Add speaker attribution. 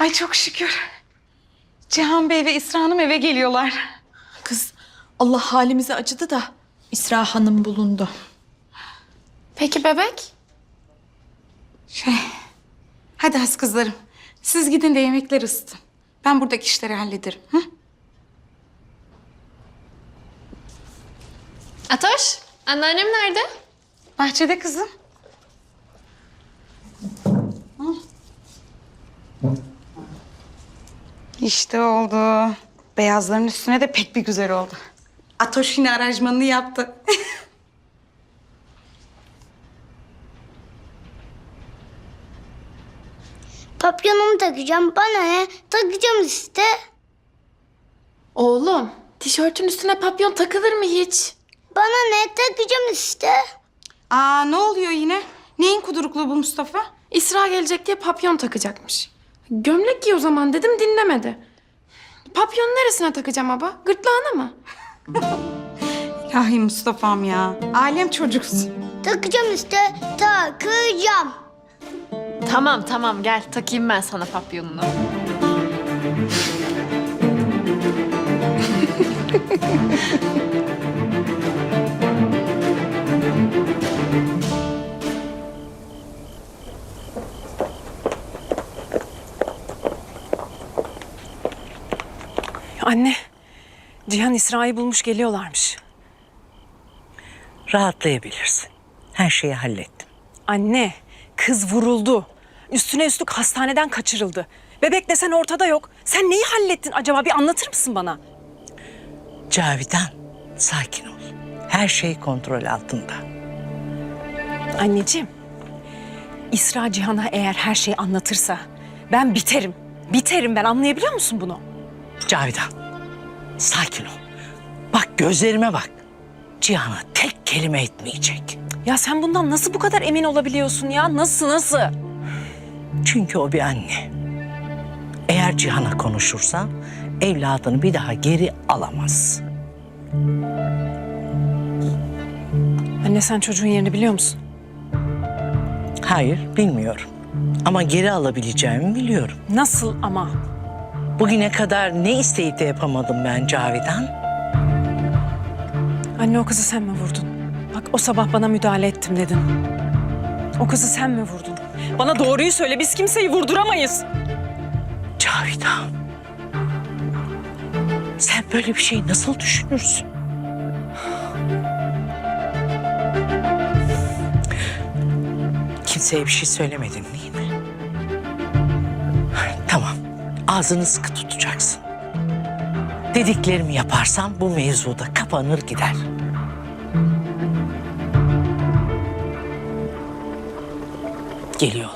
Speaker 1: Ay çok şükür. Cihan Bey ve İsra Hanım eve geliyorlar.
Speaker 2: Kız Allah halimize acıdı da İsra Hanım bulundu.
Speaker 3: Peki bebek?
Speaker 1: Hadi has kızlarım. Siz gidin de yemekler ısıtın. Ben buradaki işleri hallederim. Hı?
Speaker 3: Atoş, anneannem nerede?
Speaker 1: Bahçede kızım. İşte oldu. Beyazların üstüne de pek bir güzel oldu. Atoş yine aranjmanını yaptı.
Speaker 4: Papyonumu takacağım. Bana ne? Takacağım işte.
Speaker 3: Oğlum, tişörtün üstüne papyon takılır mı hiç?
Speaker 4: Bana ne? Takacağım işte.
Speaker 1: Aa ne oluyor yine? Neyin kudurukluğu bu Mustafa?
Speaker 3: İsra gelecek diye papyon takacakmış. Gömlek giy o zaman dedim, dinlemedi. Papyonu neresine takacağım baba? Gırtlağına mı?
Speaker 1: İlahi Mustafa'm ya. Alem çocuksun.
Speaker 4: Takacağım işte. Takacağım.
Speaker 5: Tamam gel takayım ben sana papyonunu.
Speaker 6: Anne, Cihan İsra'yı bulmuş geliyorlarmış.
Speaker 7: Rahatlayabilirsin. Her şeyi hallettim.
Speaker 6: Anne, kız vuruldu. Üstüne üstlük hastaneden kaçırıldı. Bebek desen ortada yok. Sen neyi hallettin acaba? Bir anlatır mısın bana?
Speaker 7: Cavidan, sakin ol. Her şey kontrol altında.
Speaker 6: Anneciğim, İsra Cihan'a eğer her şeyi anlatırsa ben biterim. Biterim ben, anlayabiliyor musun bunu?
Speaker 7: Cavidan, sakin ol. Bak gözlerime bak. Cihan'a tek kelime etmeyecek.
Speaker 6: Ya sen bundan nasıl bu kadar emin olabiliyorsun ya? Nasıl?
Speaker 7: Çünkü o bir anne. Eğer Cihan'a konuşursa evladını bir daha geri alamaz.
Speaker 6: Anne sen çocuğun yerini biliyor musun?
Speaker 7: Hayır, bilmiyorum. Ama geri alabileceğimi biliyorum.
Speaker 6: Nasıl ama?
Speaker 7: Bugüne kadar ne isteyip de yapamadım ben Cavidan?
Speaker 6: Anne o kızı sen mi vurdun? Bak o sabah bana müdahale ettim dedin. O kızı sen mi vurdun? Bana doğruyu söyle, biz kimseyi vurduramayız.
Speaker 7: Cavidan. Sen böyle bir şey nasıl düşünürsün? Kimseye bir şey söylemedin değil mi? Tamam. Ağzını sıkı tutacaksın. Dediklerimi yaparsan bu mevzuda kapanır gider. Geliyorlar.